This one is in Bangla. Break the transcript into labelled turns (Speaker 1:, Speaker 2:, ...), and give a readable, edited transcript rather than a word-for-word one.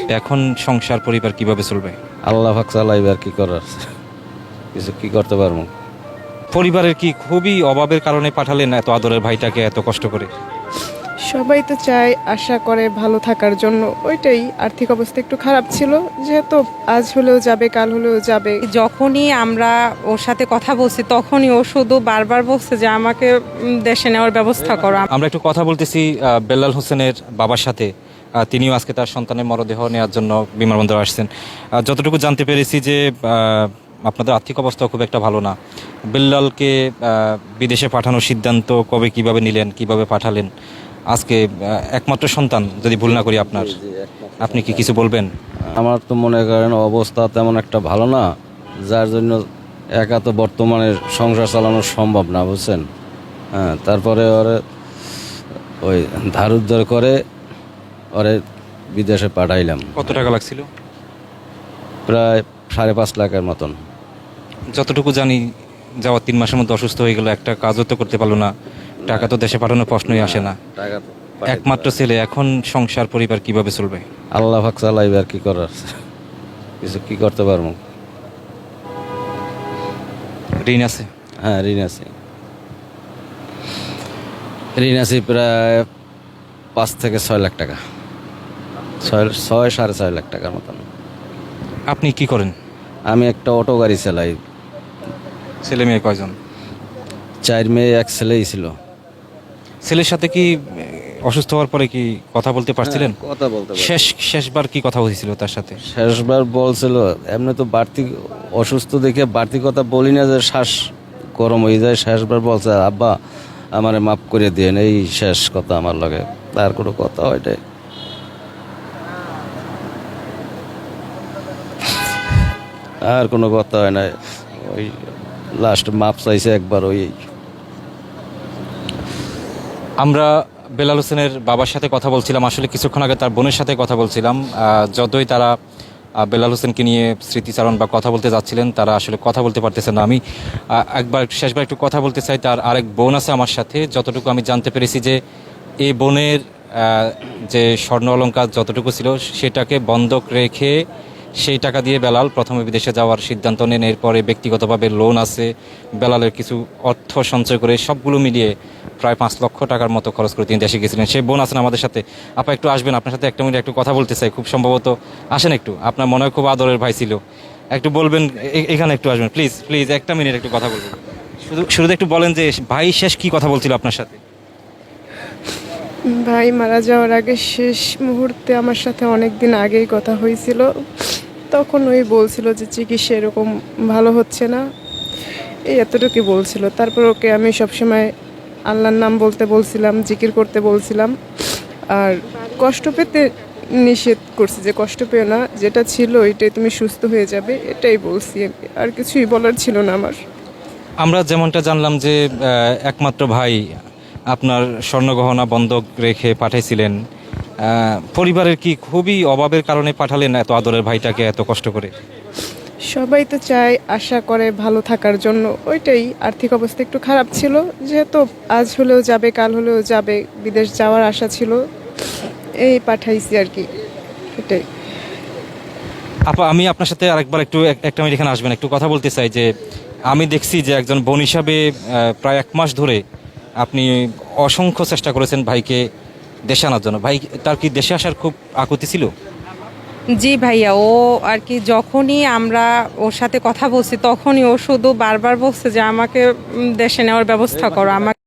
Speaker 1: এখন সংসার পরিবার কিভাবে চলবে?
Speaker 2: আল্লাহ পাক চালাইবে, আর কি করার, কিছু কি করতে পারবো।
Speaker 1: পরিবারের কি খুবই অভাবের কারণে পাঠালেন এত আদরের ভাইটাকে এত কষ্ট করে?
Speaker 3: সবাই তো চায়, আশা করে ভালো থাকার জন্য, ওইটাই। আর্থিক অবস্থা একটু খারাপ ছিল, যেহেতু আজ হলেও যাবে কাল হলেও যাবে।
Speaker 4: যখনই আমরা ওর সাথে কথা বলছি তখনই ও শুধু বারবার বলছে যে আমাকে দেশে নেওয়ার ব্যবস্থা করো।
Speaker 1: আমরা একটু কথা বলতেছি বেলাল হোসেনের বাবার সাথে। তিনিও আজকে তার সন্তানের মরদেহ নেওয়ার জন্য বিমানবন্দরে আসছেন। যতটুকু জানতে পেরেছি যে আপনাদের আর্থিক অবস্থা খুব একটা ভালো না। বেল্লালকে বিদেশে পাঠানোর সিদ্ধান্ত কবে কিভাবে নিলেন, কিভাবে পাঠালেন? আজকে একমাত্র সন্তান যদি ভুল না করি আপনার, আপনি কি কিছু বলবেন?
Speaker 2: আমার তো মনে করেন অবস্থা তেমন একটা ভালো না, যার জন্য একা তো বর্তমানে সংসার চালানো সম্ভব না, বুঝছেন। হ্যাঁ, তারপরে ওরে ওই ধার উদ্ধার করে ওরে বিদেশে পাঠাইলাম।
Speaker 1: কত টাকা লাগছিল?
Speaker 2: প্রায় 5.5 লাখের মতন।
Speaker 1: যতটুকু জানি যাওয়ার 3 মাসের মধ্যে অসুস্থ হয়ে গেল, একটা কাজও তো করতে পারলো না, টাকা তো দেশে পাঠানোর প্রশ্নই আসে না।
Speaker 2: টাকা তো
Speaker 1: একমাত্র ছেলে, এখন সংসার পরিবার কিভাবে চলবে?
Speaker 2: আল্লাহ পাক চালাইবে, আর কি করার, কিছু কি করতে পারবো।
Speaker 1: ঋণ আছে?
Speaker 2: হ্যাঁ, ঋণ আছে। ঋণ আছে প্রায় 5 থেকে 6 লাখ টাকা, 6.5 লাখ টাকার মতন।
Speaker 1: আপনি কি করেন?
Speaker 2: আমি একটা অটো গাড়ি চালাই।
Speaker 1: ছেলে মেয়ে কয়জন?
Speaker 2: 4 মেয়ে 1 ছেলেই ছিল।
Speaker 1: ছেলের সাথে কি অসুস্থ হওয়ার পরে কি কথা বলতে পারছিলেন?
Speaker 2: কথা বলতে পারি।
Speaker 1: শেষবার কি কথা হয়েছিল তার সাথে?
Speaker 2: শেষবার বলছিল, এমনি তো বাড়তি অসুস্থ দেখে বাড়তি কথা বলি না, যে শ্বাস গরম হয়ে যায়। শেষবার বলছে, আব্বা আমারে মাফ করে দিয়েন, এই শেষ কথা আমার লগে। তার কোনো কথা ওইটাই। আর কোনো কথা হয় না, ওই লাস্ট মাপ চাইছে একবার। ওই
Speaker 1: আমরা বেলাল হোসেনের বাবার সাথে কথা বলছিলাম, আসলে কিছুক্ষণ আগে তার বোনের সাথে কথা বলছিলাম। যতই তারা বেলাল হোসেনকে নিয়ে স্মৃতিচারণ বা কথা বলতে যাচ্ছিলেন, তারা আসলে কথা বলতে পারতেছে না। আমি শেষবার একটু কথা বলতে চাই। তার আরেক বোন আছে আমার সাথে। যতটুকু আমি জানতে পেরেছি যে এই বোনের যে স্বর্ণ অলংকার যতটুকু ছিল সেটাকে বন্ধক রেখে সেই টাকা দিয়ে বেলাল প্রথমে বিদেশে যাওয়ার সিদ্ধান্ত নেন। এরপরে ব্যক্তিগতভাবে লোন আছে, বেলালের কিছু অর্থ সঞ্চয় করে সবগুলো মিলিয়ে প্রায় 5 লক্ষ টাকার মতো খরচ করে তিনি দেশে গেছিলেন। সেই বোন আছেন আমাদের সাথে। আপা একটু আসবেন, আপনার সাথে 1 মিনিট একটু কথা বলতে চাই। খুব সম্ভবত আসেন একটু, আপনার মনে হয় খুব আদরের ভাই ছিল, একটু বলবেন এখানে একটু আসবেন প্লিজ প্লিজ, 1 মিনিট একটু কথা বলবেন। শুরুতে একটু বলেন যে ভাই শেষ কি কথা বলছিল আপনার সাথে?
Speaker 3: ভাই মারা যাওয়ার আগে শেষ মুহূর্তে আমার সাথে অনেক দিন আগেই কথা হয়েছিল। তখন ওই বলছিল যে চিকিৎসা এরকম ভালো হচ্ছে না, এই এতটুকুই বলছিল। তারপর ওকে আমি সবসময় আল্লাহর নাম বলতে বলছিলাম, জিকির করতে বলছিলাম, আর কষ্ট পেতে নিষেধ করছি, যে কষ্ট পেও না, যেটা ছিল ওইটাই, তুমি সুস্থ হয়ে যাবে, এটাই বলছি। আর কিছুই বলার ছিল না আমার।
Speaker 1: আমরা যেমনটা জানলাম যে একমাত্র ভাই আপনার স্বর্ণগহনা বন্ধক রেখে পাঠাইছিলেন। পরিবারের কি খুবই অভাবের কারণে পাঠালেন এত আদরের ভাইটাকে এত কষ্ট করে?
Speaker 3: সবাই তো চায়, আশা করে ভালো থাকার জন্য, ওইটাই। আর্থিক অবস্থা একটু খারাপ ছিল, যেহেতু আজ হলেও যাবে কাল হলেও যাবে, বিদেশ যাওয়ার আশা ছিল, এই পাঠাইছি আর কি, এটাই।
Speaker 1: আপা আমি আপনার সাথে আরেকবার একটু 1 মিনিট এখানে আসবেন, একটু কথা বলতে চাই। যে আমি দেখছি যে একজন বোন হিসাবে প্রায় 1 মাস ধরে আপনি অসংখ্য চেষ্টা করেছেন ভাইকে দেশে আনার জন্য। ভাই তার কি দেশে আসার খুব আকুতি ছিল?
Speaker 4: জি ভাইয়া, ও আর কি যখনই আমরা ওর সাথে কথা বলছি তখনই ও শুধু বারবার বলছে যে আমাকে দেশে নেওয়ার ব্যবস্থা করো।